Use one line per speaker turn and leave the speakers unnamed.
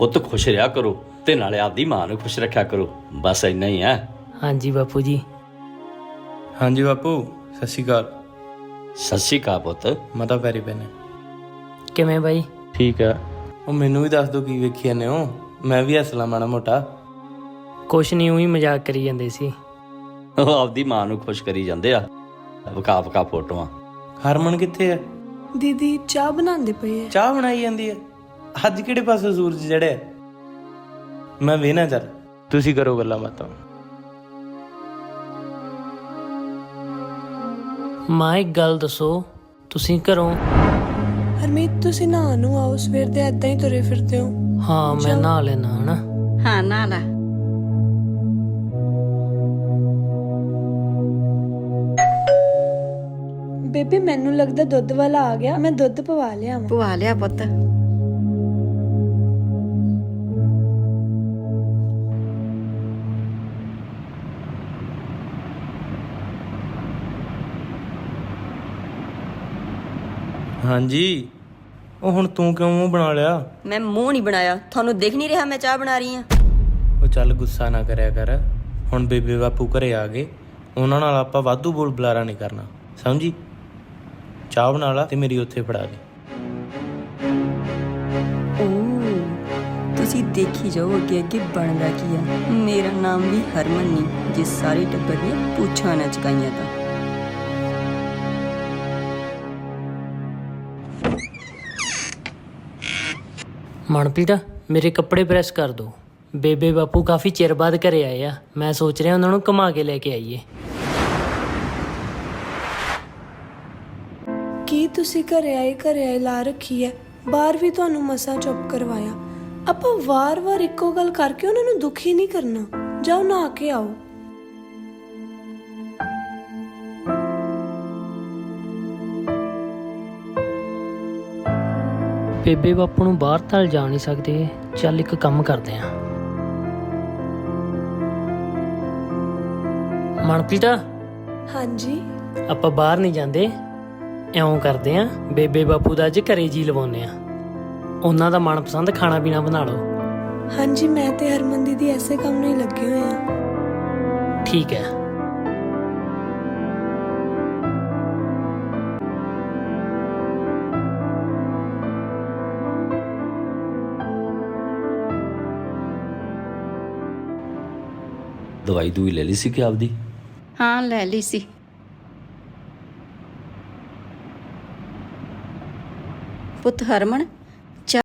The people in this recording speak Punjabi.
ਪੁੱਤ ਖੁਸ਼ ਰਿਹਾ ਕਰੋ ਤੇ ਨਾਲੇ ਆਪਦੀ ਮਾਂ ਨੂੰ ਖੁਸ਼ ਰੱਖਿਆ ਕਰੋ। ਬਸ ਇੰਨਾ ਹੀ ਹੈ।
ਹਾਂਜੀ ਬਾਪੂ ਜੀ।
ਹਾਂਜੀ ਬਾਪੂ, ਸਤਿ ਸ਼੍ਰੀ ਅਕਾਲ।
ਸਤਿ ਸ਼੍ਰੀ ਅਕਾਲ ਪੁੱਤ।
ਮਾਤਾ ਪੈਰੀ ਪੈਨੇ।
ਕਿਵੇਂ ਬਾਈ?
ਠੀਕ ਆ। ਉਹ ਮੈਨੂੰ ਵੀ ਦੱਸ ਦਿਓ ਕੀ ਵੇਖੀ ਜਾਂਦੇ ਹੋ, ਮੈਂ ਵੀ ਹੱਸ ਲਾਂ ਮਾੜਾ ਮੋਟਾ।
ਕੁਛ ਨਹੀਂ, ਉਹੀ ਮਜ਼ਾਕ ਕਰੀ ਜਾਂਦੇ ਸੀ।
ਉਹ ਆਪਦੀ ਮਾਂ ਨੂੰ ਖੁਸ਼ ਕਰੀ ਜਾਂਦੇ ਆ, ਵਿਖਾ ਵਿਖਾ ਫੋਟੋਆਂ।
ਹਰਮਨ ਕਿੱਥੇ ਆ?
ਦੀਦੀ ਚਾਹ ਬਣਾਉਂਦੇ ਪਏ ਆ।
ਚਾਹ ਬਣਾਈ ਜਾਂਦੀ ਆ? ਅੱਜ ਕਿਹੜੇ ਪਾਸੇ ਸੂਰਜ ਚੜਿਆ? ਮੈਂ ਵੇਹਨਾ, ਚੱਲ ਤੁਸੀਂ ਕਰੋ ਗੱਲਾਂ ਬਾਤਾਂ।
ਮਾਂ ਇੱਕ ਗੱਲ ਦੱਸੋ, ਤੁਸੀਂ ਘਰੋਂ?
ਹਰਮੀਤ ਤੁਸੀਂ ਨਹਾ ਨੂੰ ਆਓ, ਸਵੇਰ ਦੇ ਏਦਾਂ ਹੀ ਤੁਰੇ ਫਿਰਦੇ ਹੋ।
ਹਾਂ ਮੈਂ ਨਹਾ ਲੈਣਾ ਹਨਾ।
ਹਾਂ ਨਾ ਲਾ।
ਬੇਬੇ ਮੈਨੂੰ ਲੱਗਦਾ ਦੁੱਧ ਵਾਲਾ ਆ ਗਿਆ, ਮੈਂ ਦੁੱਧ ਪਵਾ ਲਿਆ ਵਾ।
ਪਵਾ ਲਿਆ ਪੁੱਤ।
ਹਾਂਜੀ, ਉਹ ਹੁਣ ਤੂੰ ਕਿਉਂ ਮੂੰਹ ਬਣਾ ਲਿਆ?
ਮੈਂ ਮੂੰਹ ਨਹੀਂ ਬਣਾਇਆ, ਤੁਹਾਨੂੰ ਦਿਖ ਨਹੀਂ ਰਿਹਾ ਮੈਂ ਚਾਹ ਬਣਾ ਰਹੀ ਹਾਂ।
ਉਹ ਚੱਲ ਗੁੱਸਾ ਨਾ ਕਰਿਆ ਕਰ, ਹੁਣ ਬੇਬੇ ਬਾਪੂ ਘਰੇ ਆ ਗਏ, ਉਹਨਾਂ ਨਾਲ ਆਪਾਂ ਵਾਧੂ ਬੋਲ ਬੁਲਾਰਾ ਨਹੀਂ ਕਰਨਾ, ਸਮਝੀ? ਚਾਹ ਬਣਾ ਲਾ ਤੇ ਮੇਰੀ ਉੱਥੇ ਫੜਾ ਦੇ।
ਤੁਸੀਂ ਦੇਖੀ ਜਾਓ ਅੱਗੇ ਅੱਗੇ ਬਣਦਾ ਕੀ ਆ। ਮੇਰਾ ਨਾਮ ਵੀ ਹਰਮਨ ਨਹੀਂ, ਜੇ ਸਾਰੇ ਟੱਬਰ ਨੇ ਪੁੱਛਾਂ ਨਾ ਚਕਾਈਆਂ ਤਾਂ।
ਮਨਪ੍ਰੀਤ ਮੇਰੇ ਕੱਪੜੇ ਪ੍ਰੈਸ ਕਰ ਦੋ। ਬੇਬੇ ਬਾਪੂ ਕਾਫੀ ਚਿਰ ਬਾਅਦ ਘਰੇ ਆਏ ਆ, ਮੈਂ ਸੋਚ ਰਿਹਾ ਉਹਨਾਂ ਨੂੰ ਘੁਮਾ ਕੇ ਲੈ ਕੇ ਆਈਏ।
ਕੀ ਤੁਸੀਂ ਘਰੇ ਆਏ ਲਾ ਰੱਖੀ ਹੈ? ਬਾਹਰ ਵੀ ਤੁਹਾਨੂੰ ਮਸਾਂ ਚੁੱਪ ਕਰਵਾਇਆ। ਆਪਾਂ ਵਾਰ-ਵਾਰ ਇੱਕੋ ਗੱਲ ਕਰਕੇ ਉਹਨਾਂ ਨੂੰ ਦੁਖੀ ਨਹੀਂ ਕਰਨਾ। ਜਾਓ ਨਹਾ ਕੇ ਆਓ।
ਬੇਬੇ ਬਾਪੂ ਨੂੰ ਬਾਹਰ ਤਾਂ ਜਾ ਨਹੀਂ ਸਕਦੇ, ਚੱਲ ਇੱਕ ਕੰਮ ਕਰਦੇ ਆ। ਮਨਪ੍ਰੀਤ
ਹਾਂਜੀ
ਆਪਾਂ ਬਾਹਰ ਨਹੀਂ ਜਾਂਦੇ, ਇਉਂ ਕਰਦੇ ਆ ਬੇਬੇ ਬਾਪੂ ਦਾ ਅੱਜ ਘਰੇ ਜੀ ਲਵਾਉਂਦੇ ਆ, ਉਹਨਾਂ ਦਾ ਮਨਪਸੰਦ ਖਾਣਾ ਪੀਣਾ ਬਣਾ ਲਓ।
ਹਾਂਜੀ, ਮੈਂ ਤੇ ਹਰਮਨ ਦੀਦੀ ਐਸੇ ਕੰਮ ਨਹੀਂ ਲੱਗੇ ਹੋਏ ਆ।
ਠੀਕ ਹੈ।
ਦਵਾਈ ਦੂਈ ਲੈ ਲਈ ਸੀ ਕਿ ਆਪਦੀ?
ਹਾਂ ਲੈ ਲਈ ਸੀ। ਪੁੱਤ ਹਰਮਨ,